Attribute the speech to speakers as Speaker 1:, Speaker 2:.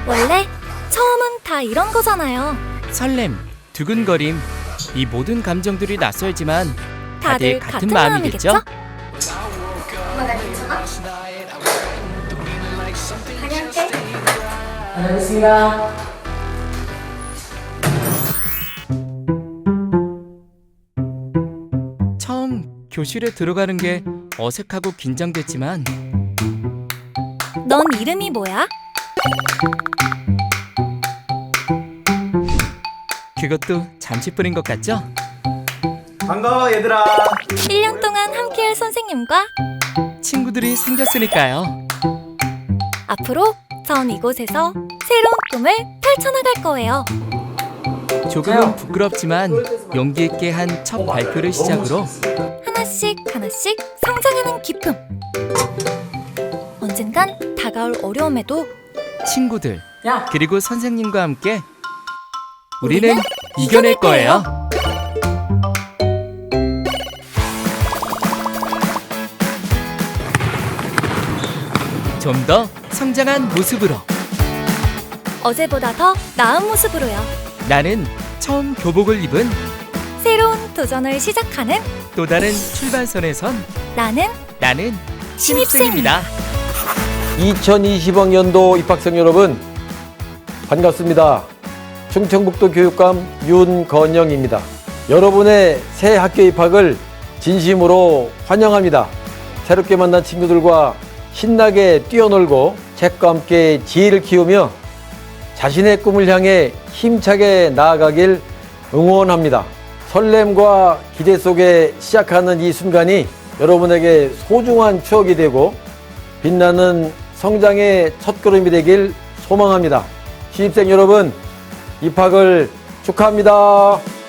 Speaker 1: 원래 처음은 다 이런 거잖아요.
Speaker 2: 설렘, 두근거림, 이 모든 감정들이 낯설지만 다들 같은 마음이겠죠?
Speaker 1: 엄마 나 괜찮아? 다녀올게.
Speaker 2: 다녀오겠습니다. 처음 교실에 들어가는 게 어색하고 긴장됐지만
Speaker 1: 넌 이름이 뭐야?
Speaker 2: 그것도 잠시뿐인 것 같죠?
Speaker 3: 반가워 얘들아.
Speaker 1: 1년 동안 함께할 선생님과
Speaker 2: 친구들이 생겼으니까요.
Speaker 1: 앞으로 전 이곳에서 새로운 꿈을 펼쳐나갈 거예요.
Speaker 2: 조금은 부끄럽지만 용기 있게 한 첫 발표를 시작으로
Speaker 1: 하나씩 하나씩 성장하는 기쁨. 언젠간 다가올 어려움에도
Speaker 2: 친구들 그리고 선생님과 함께 우리는 이겨낼 거예요. 좀 더 성장한 모습으로
Speaker 1: 어제보다 더 나은 모습으로요.
Speaker 2: 나는 처음 교복을 입은
Speaker 1: 새로운 도전을 시작하는
Speaker 2: 또 다른 출발선에 선
Speaker 1: 나는
Speaker 2: 신입생입니다.
Speaker 4: 2020학년도 입학생 여러분 반갑습니다. 충청북도 교육감 윤건영입니다. 여러분의 새 학교 입학을 진심으로 환영합니다. 새롭게 만난 친구들과 신나게 뛰어놀고 책과 함께 지혜를 키우며 자신의 꿈을 향해 힘차게 나아가길 응원합니다. 설렘과 기대 속에 시작하는 이 순간이 여러분에게 소중한 추억이 되고 빛나는 성장의 첫걸음이 되길 소망합니다. 신입생 여러분, 입학을 축하합니다.